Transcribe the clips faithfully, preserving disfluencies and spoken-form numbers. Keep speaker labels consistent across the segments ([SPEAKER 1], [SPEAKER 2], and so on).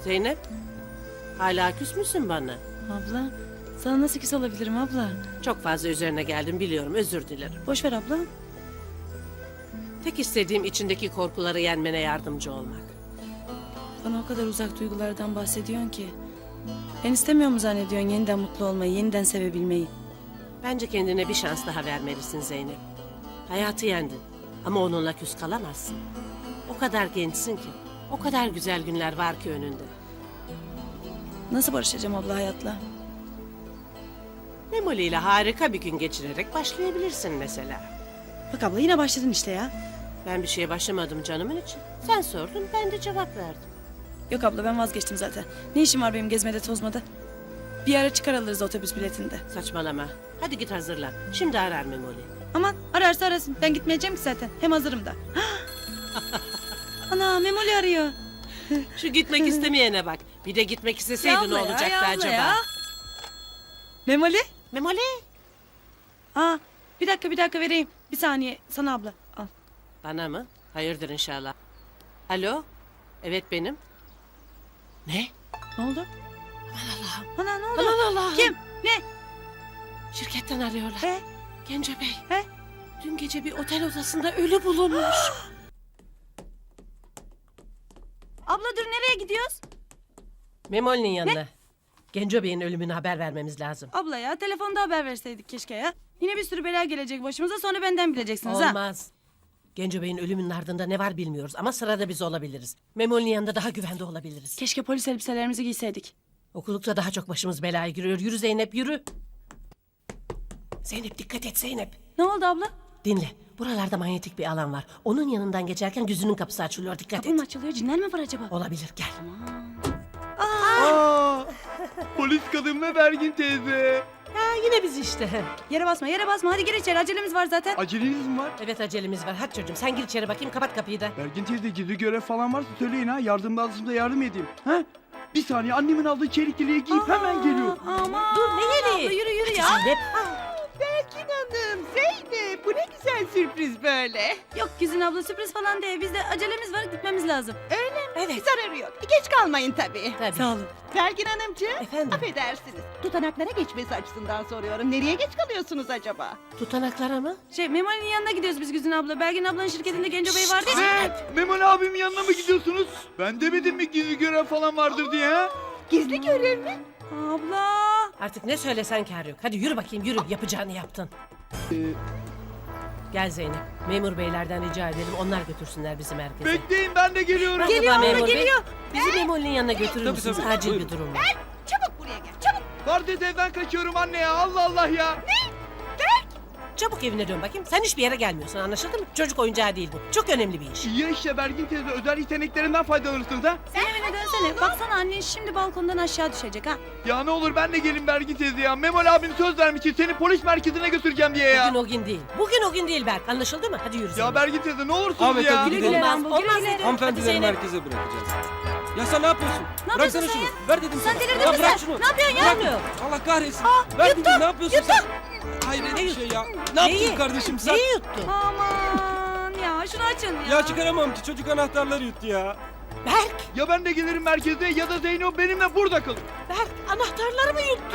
[SPEAKER 1] Zeynep, hala küs müsün bana?
[SPEAKER 2] Abla, sana nasıl küs olabilirim abla?
[SPEAKER 1] Çok fazla üzerine geldim biliyorum, özür dilerim.
[SPEAKER 2] Boş ver abla.
[SPEAKER 1] Tek istediğim içindeki korkuları yenmene yardımcı olmak.
[SPEAKER 2] Bana o kadar uzak duygulardan bahsediyorsun ki. Ben istemiyor mu zannediyorsun yeniden mutlu olmayı, yeniden sevebilmeyi?
[SPEAKER 1] Bence kendine bir şans daha vermelisin Zeynep. Hayatı yendin ama onunla küs kalamazsın. O kadar gençsin ki, o kadar güzel günler var ki önünde.
[SPEAKER 2] Nasıl barışacağım abla hayatla?
[SPEAKER 1] Memoli ile harika bir gün geçirerek başlayabilirsin mesela.
[SPEAKER 2] Bak abla yine başladın işte ya.
[SPEAKER 1] Ben bir şeye başlamadım canımın için. Sen sordun, ben de cevap verdim.
[SPEAKER 2] Yok abla ben vazgeçtim zaten. Ne işim var benim gezmede tozmada? Bir ara çıkar alırız otobüs biletinde.
[SPEAKER 1] Saçmalama. Hadi git hazırlan. Şimdi arar Memoli.
[SPEAKER 2] Aman ararsa arasın. Ben gitmeyeceğim ki zaten. Hem hazırım da. Ana Memoli arıyor.
[SPEAKER 1] Şu gitmek istemeyene bak. Bir de gitmek isteseydi
[SPEAKER 2] Ya
[SPEAKER 1] ne
[SPEAKER 2] abla ya,
[SPEAKER 1] olacaktı
[SPEAKER 2] ya abla
[SPEAKER 1] acaba?
[SPEAKER 2] ya. Memoli?
[SPEAKER 1] Memoli.
[SPEAKER 2] Aa, bir dakika bir dakika vereyim. Bir saniye sana abla. Al.
[SPEAKER 1] Bana mı? Hayırdır inşallah. Alo? Evet benim. Ne?
[SPEAKER 2] Ne oldu?
[SPEAKER 1] Aman Allah'ım.
[SPEAKER 2] Ana ne oldu?
[SPEAKER 1] Aman Allah'ım.
[SPEAKER 2] Kim? Ne?
[SPEAKER 1] Şirketten arıyorlar.
[SPEAKER 2] He?
[SPEAKER 1] Genco Bey.
[SPEAKER 2] He?
[SPEAKER 1] Dün gece bir otel odasında ölü bulunmuş.
[SPEAKER 2] Abla dur nereye gidiyoruz?
[SPEAKER 1] Memoli'nin yanına. Genco Bey'in ölümünü haber vermemiz lazım.
[SPEAKER 2] Abla ya telefonda haber verseydik keşke ya. Yine bir sürü bela gelecek başımıza sonra benden bileceksiniz ha.
[SPEAKER 1] Olmaz. Genco Bey'in ölümünün ardında ne var bilmiyoruz ama sırada biz olabiliriz. Memoli'nin yanında daha güvende olabiliriz.
[SPEAKER 2] Keşke polis elbiselerimizi giyseydik.
[SPEAKER 1] Okulukta daha çok başımız belaya giriyor. Yürü Zeynep yürü. Zeynep dikkat et Zeynep.
[SPEAKER 2] Ne oldu abla?
[SPEAKER 1] Dinle. Buralarda manyetik bir alan var. Onun yanından geçerken gözünün kapısı açılıyor. Dikkat
[SPEAKER 2] Kapı mı
[SPEAKER 1] et.
[SPEAKER 2] açılıyor? Cinler mi var acaba?
[SPEAKER 1] Olabilir gel.
[SPEAKER 3] Aa, polis kadın ve Bergin teyze.
[SPEAKER 1] Ha, yine biz işte.
[SPEAKER 2] Yere basma yere basma hadi gir içeri acelemiz var zaten.
[SPEAKER 3] Aceleniz mi var?
[SPEAKER 1] Evet acelemiz var. Hadi çocuğum sen gir içeri bakayım kapat kapıyı da.
[SPEAKER 3] Bergin teyze gizli görev falan varsa söyleyin ha. Yardım lazımsa yardım edeyim. Ha? Bir saniye annemin aldığı çelik yeleği giyip hemen geliyorum.
[SPEAKER 2] Aman.
[SPEAKER 1] Dur ne yeri?
[SPEAKER 2] Abla yürü yürü
[SPEAKER 1] Hadi
[SPEAKER 2] ya.
[SPEAKER 1] Zeynep.
[SPEAKER 4] Berkin Hanım, Zeynep bu ne güzel sürpriz böyle.
[SPEAKER 2] Yok Güzin abla sürpriz falan değil. Bizde acelemiz var gitmemiz lazım.
[SPEAKER 1] Evet.
[SPEAKER 4] Zararı yok. Geç kalmayın tabii.
[SPEAKER 1] Tabii.
[SPEAKER 2] Sağ olun.
[SPEAKER 4] Berkin Hanımcığım,
[SPEAKER 1] Efendim?
[SPEAKER 4] affedersiniz. Tutanaklara geçmesi açısından soruyorum. Nereye geç kalıyorsunuz acaba?
[SPEAKER 1] Tutanaklara mı?
[SPEAKER 2] Şey Memoli'nin yanına gidiyoruz biz Güzin abla. Belgin ablanın şirketinde Genco Bey vardı ya.
[SPEAKER 3] Ne? Memoli abimin yanına mı gidiyorsunuz? Ben demedim mi gizli görev falan vardır diye ha?
[SPEAKER 4] Gizli görev mi?
[SPEAKER 2] Abla.
[SPEAKER 1] Artık ne söylesen kâr yok. Hadi yürü bakayım yürü. Yapacağını yaptın.
[SPEAKER 3] Ee,
[SPEAKER 1] Gel Zeynep. Memur beylerden rica edelim. Onlar götürsünler bizi merkeze.
[SPEAKER 3] bekleyin ben de geliyorum.
[SPEAKER 1] Merhaba
[SPEAKER 2] Geliyor abla,
[SPEAKER 1] memur bey.
[SPEAKER 2] geliyor.
[SPEAKER 1] Bizi Memoli'nin yanına götürür
[SPEAKER 5] Tabii,
[SPEAKER 1] müsünüz?
[SPEAKER 5] tabii.
[SPEAKER 1] Acil
[SPEAKER 5] Buyurun.
[SPEAKER 1] bir durum var.
[SPEAKER 4] Çabuk buraya gel, çabuk.
[SPEAKER 3] Kardeş evden kaçıyorum anne ya. Allah Allah ya.
[SPEAKER 1] Çabuk evine dön bakayım. Sen hiçbir yere gelmiyorsun anlaşıldı mı? Çocuk oyuncağı değil bu. Çok önemli bir iş.
[SPEAKER 3] Ya işte Bergin teyze özel yeteneklerinden faydalanırsınız ha.
[SPEAKER 2] Sen evine dönsene. Baksana annen şimdi balkondan aşağı düşecek ha.
[SPEAKER 3] Ya ne olur ben de gelin Bergin teyze ya. Memoli abim söz vermişti seni polis merkezine götüreceğim diye ya.
[SPEAKER 1] Bugün o gün değil. Bugün o gün değil Berk. Anlaşıldı mı? Hadi yürü
[SPEAKER 3] Ya
[SPEAKER 1] Zeynep.
[SPEAKER 3] Bergin teyze ne olursunuz
[SPEAKER 5] Ahmet,
[SPEAKER 3] ya.
[SPEAKER 5] hadi
[SPEAKER 2] Güle
[SPEAKER 5] gidelim.
[SPEAKER 2] güle
[SPEAKER 1] Olmaz,
[SPEAKER 2] Rambo, güle
[SPEAKER 1] olmaz
[SPEAKER 2] güle.
[SPEAKER 1] dedim. Hadi
[SPEAKER 5] Hanımefendileri
[SPEAKER 1] Zeynep.
[SPEAKER 5] merkeze bırakacağız. Ya sen ne yapıyorsun?
[SPEAKER 2] Ne
[SPEAKER 5] Bıraksana
[SPEAKER 2] yapıyorsun
[SPEAKER 5] şunu.
[SPEAKER 2] sen
[SPEAKER 5] Ver dedim
[SPEAKER 2] Sen
[SPEAKER 5] sana.
[SPEAKER 2] delirdin
[SPEAKER 5] Ya
[SPEAKER 2] mi
[SPEAKER 5] bırak
[SPEAKER 2] sen?
[SPEAKER 5] şunu.
[SPEAKER 2] Ne yapıyorsun ya?
[SPEAKER 1] Yapmıyor.
[SPEAKER 5] Allah kahretsin. Ver dedim ne yapıyorsun sen? Hayret bir şey ya. Ne
[SPEAKER 1] Neyi?
[SPEAKER 5] yaptın kardeşim sen?
[SPEAKER 1] Neyi yuttun?
[SPEAKER 2] Aman ya şunu açın ya.
[SPEAKER 5] Ya çıkaramam ki çocuk anahtarları yuttu ya.
[SPEAKER 1] Berk,
[SPEAKER 3] Ya ben de gelirim merkeze ya da Zeyno benimle burada kalır.
[SPEAKER 1] Berk anahtarları mı yuttun?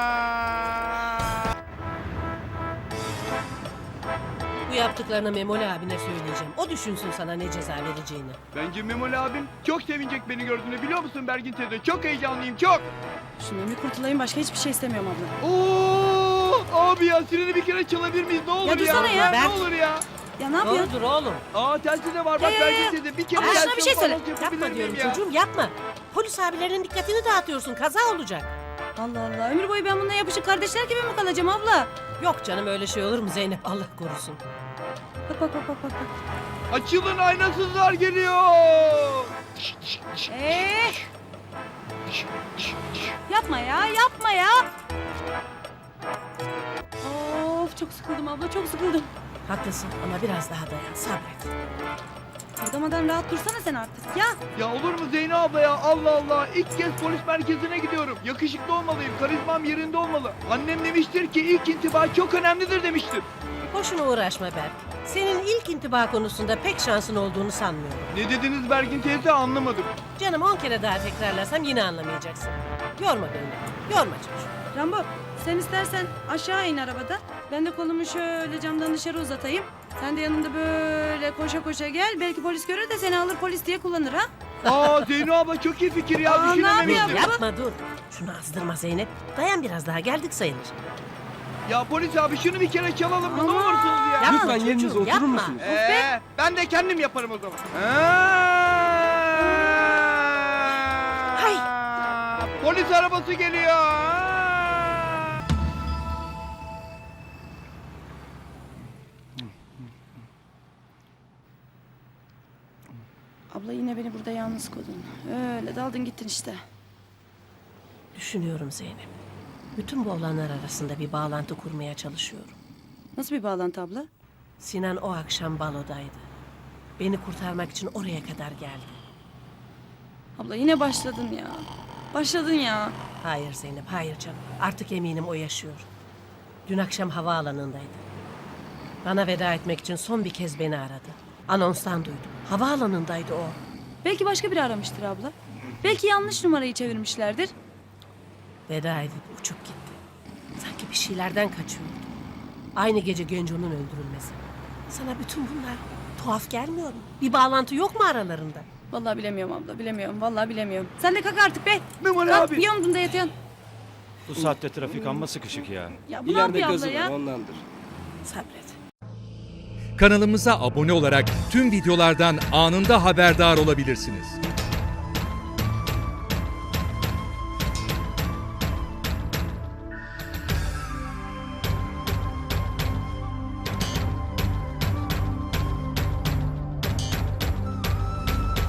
[SPEAKER 1] Bu yaptıklarını Memoli abine söyleyeceğim. O düşünsün sana ne ceza vereceğini.
[SPEAKER 3] Bence Memoli abim çok sevinecek beni gördüğünde biliyor musun Bergin teyze? Çok heyecanlıyım çok.
[SPEAKER 2] Şundan bir kurtulayım başka hiçbir şey istemiyorum abla.
[SPEAKER 3] Oo, abi ya sireni bir kere çalabilir miyiz? Ne olur ya.
[SPEAKER 2] dursana ya.
[SPEAKER 3] Ne olur ya.
[SPEAKER 2] Ya ne yapıyorsun?
[SPEAKER 1] Doğrudur oğlum.
[SPEAKER 3] Aa telsiz de var bak
[SPEAKER 2] Ya, ya,
[SPEAKER 3] Bergin
[SPEAKER 2] ya.
[SPEAKER 3] teyze. Bir kere
[SPEAKER 2] Ama şuna
[SPEAKER 3] telsiz
[SPEAKER 2] bir şey
[SPEAKER 3] falan
[SPEAKER 2] söyle.
[SPEAKER 3] yapabilir
[SPEAKER 1] Yapma
[SPEAKER 3] miyim
[SPEAKER 1] diyorum
[SPEAKER 3] ya?
[SPEAKER 1] çocuğum yapma. Polis abilerinin dikkatini dağıtıyorsun. Kaza olacak.
[SPEAKER 2] Allah Allah ömür boyu ben bununla yapışık kardeşler gibi mi kalacağım abla?
[SPEAKER 1] Yok canım öyle şey olur mu Zeynep? Allah korusun.
[SPEAKER 2] Bak bak bak bak bak.
[SPEAKER 3] Açılın aynasızlar geliyor.
[SPEAKER 2] Eee. Yapma ya yapma ya. Of çok sıkıldım abla çok sıkıldım.
[SPEAKER 1] Haklısın ama biraz daha dayan sabret.
[SPEAKER 2] Kırdamadan rahat dursana sen artık ya.
[SPEAKER 3] Ya olur mu Zeyno abla ya? Allah Allah. İlk kez polis merkezine gidiyorum. Yakışıklı olmalıyım. Karizmam yerinde olmalı. Annem demiştir ki ilk intiba çok önemlidir demiştir.
[SPEAKER 1] Boşuna uğraşma Berk. Senin ilk intiba konusunda pek şansın olduğunu sanmıyorum.
[SPEAKER 3] Ne dediniz Bergin teyze anlamadım.
[SPEAKER 1] Canım on kere daha tekrarlarsam yine anlamayacaksın. Yorma beni. Yorma çocuğum.
[SPEAKER 2] Rambo sen istersen aşağı in arabada. Ben de kolumu şöyle camdan dışarı uzatayım. Sen de yanında böyle koşa koşa gel. Belki polis görür de seni alır polis diye kullanır ha.
[SPEAKER 3] Aa Zeyno abla çok iyi fikir ya.
[SPEAKER 2] Aa, ne
[SPEAKER 3] Düşünememiştim.
[SPEAKER 2] yapıyor?
[SPEAKER 1] Yapma dur. Şunu azdırma Zeynep. Dayan biraz daha geldik sayılır.
[SPEAKER 3] Ya polis abi şunu bir kere çalalım mı? Ne
[SPEAKER 2] Aman.
[SPEAKER 3] olursunuz ya.
[SPEAKER 1] Yapma
[SPEAKER 5] Lütfen
[SPEAKER 1] çocuğum,
[SPEAKER 5] yerinize oturur
[SPEAKER 1] yapma.
[SPEAKER 5] musunuz?
[SPEAKER 3] Ee, ben de kendim yaparım o zaman. Aa!
[SPEAKER 1] Hay.
[SPEAKER 3] Polis arabası geliyor. Aa!
[SPEAKER 2] Abla yine beni burada yalnız koydun. Öyle daldın gittin işte.
[SPEAKER 1] Düşünüyorum Zeynep. Bütün bu olanlar arasında bir bağlantı kurmaya çalışıyorum.
[SPEAKER 2] Nasıl bir bağlantı abla?
[SPEAKER 1] Sinan o akşam balodaydı. Beni kurtarmak için oraya kadar geldi.
[SPEAKER 2] Abla yine başladın ya. Başladın ya.
[SPEAKER 1] Hayır Zeynep, hayır canım. Artık eminim o yaşıyor. Dün akşam havaalanındaydı. Bana veda etmek için son bir kez beni aradı. Anonstan duydum. Havaalanındaydı o.
[SPEAKER 2] Belki başka biri aramıştır abla. Belki yanlış numarayı çevirmişlerdir.
[SPEAKER 1] Veda edip uçup gitti. Sanki bir şeylerden kaçıyordu. Aynı gece Genco'nun öldürülmesi. Sana bütün bunlar tuhaf gelmiyor mu? Bir bağlantı yok mu aralarında?
[SPEAKER 2] Vallahi bilemiyorum abla bilemiyorum. Vallahi bilemiyorum. Sen de kalk artık be.
[SPEAKER 3] Memoli
[SPEAKER 2] Kalk
[SPEAKER 3] abi.
[SPEAKER 2] bir omzunda yatıyorsun.
[SPEAKER 6] Bu saatte trafik amma sıkışık ya.
[SPEAKER 2] Ya bu ne
[SPEAKER 5] İleride
[SPEAKER 2] yapıyor abla
[SPEAKER 5] gazı var
[SPEAKER 2] ya?
[SPEAKER 5] ondandır.
[SPEAKER 1] Sabret.
[SPEAKER 7] Kanalımıza abone olarak tüm videolardan anında haberdar olabilirsiniz.